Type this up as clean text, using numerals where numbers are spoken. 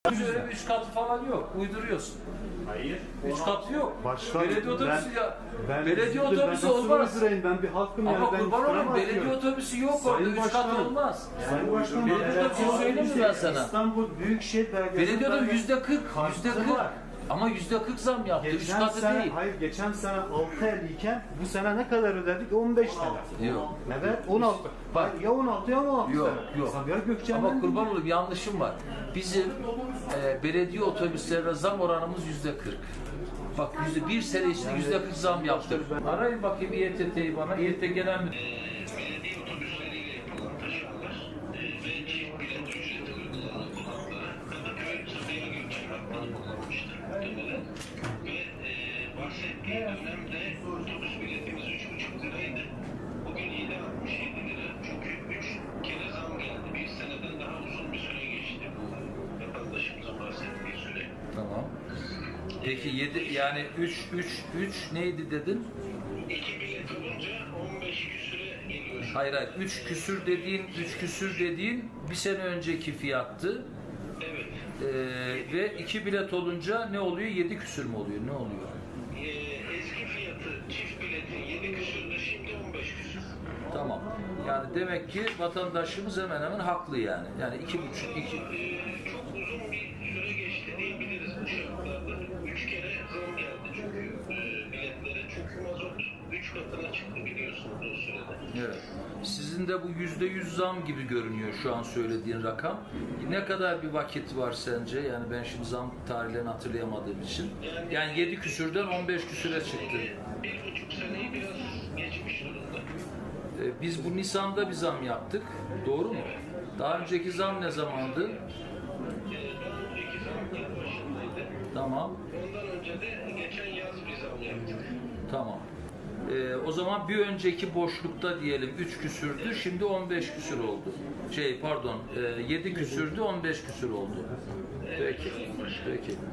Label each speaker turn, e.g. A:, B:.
A: Öyle bir 3 katı falan yok. Uyduruyorsun.
B: Hayır.
A: 3 katı yok.
C: Başkan,
A: Belediye otobüsü belediye
C: ben
A: otobüsü
C: nasıl
A: olmaz.
C: uydurayım? Ben bir halkım
A: Ama
C: yani. Ben
A: kurban
C: iftira
A: olayım,
C: mı
A: belediye
C: atıyorum?
A: otobüsü yok orada.
C: Sayın
A: 3 kat
C: Başkanım,
A: olmaz.
C: Sayın Başkanım,
A: Belediye otobüsü söyleyeyim mi ben sana?
C: İstanbul Büyükşehir Belediyesi.
A: Belediye otobüsü %40.
C: Karşıtı
A: %40.
C: var.
A: Ama %40 zam yaptı. 3
C: Geçen
A: katı
C: sene,
A: değil.
C: hayır geçen sene 6.50 iken bu sene ne kadar ödedik? 15 TL.
A: Yok.
C: Evet 16.
A: Bak.
C: Ya 16 ya 16
A: Yok,
C: sene.
A: yok.
C: Sabiha Gökçen'den
A: Ama kurban olayım, yanlışım var. Bizim belediye otobüslerine zam oranımız %40. Bak bir sene içinde %40 zam yaptık. Arayın bakayım İETT'yi bana. İETT Genel Müdürü.
D: Belediye otobüsleriyle yapılan taşımalar ve çift bilet ücreti uygulanan konaklara Kadıköy Sabiha Gökçen hatları kullanmıştır muhtemelen. Ve bahsettiği dönemde otobüs biletimiz 3,5 liraydı. Bugün 7,67 lira. Çünkü 3 kere zam geldi. Bir seneden daha uzun bir süre geçti bu vatandaşımızın bahsettiği süre.
A: Tamam. Peki 7 yani 3 neydi dedin?
D: 2 bilet olunca 15 küsüre geliyor.
A: Hayır 3 küsür dediğin bir sene önceki fiyattı.
D: Evet.
A: Ve 2 bilet olunca ne oluyor? 7 küsür mü oluyor? Ne oluyor?
D: Eski fiyatı çift biletin 7 küsürdü, şimdi 15 küsür.
A: Tamam. Yani demek ki vatandaşımız hemen hemen haklı yani. Yani 2,5 2
D: Çok uzun bir süre geçti diyebiliriz bu şartlarda. 3 kere zam geldi çünkü biletlere. Çünkü mazot 3 katına çıktı biliyorsunuz o sürede.
A: Evet. Sizin de bu %100 zam gibi görünüyor şu an söylediğin rakam. Ne kadar bir vakit var sence? Yani ben şimdi zam tarihlerini hatırlayamadığım için. Yani 7 küsürden 15 küsüre çıktı.
D: 1,5 seneyi biraz geçmiş durumda.
A: Biz bu Nisan'da bir zam yaptık. Doğru mu? Daha önceki zam ne zamandı?
D: Daha önceki zam yıl başındaydı.
A: Tamam.
D: Ondan önce de geçen yaz bir zam yaptık.
A: Tamam. O zaman bir önceki boşlukta diyelim 3 küsürdü, şimdi 15 küsür oldu. 7 küsürdü, 15 küsür oldu. Peki. Peki.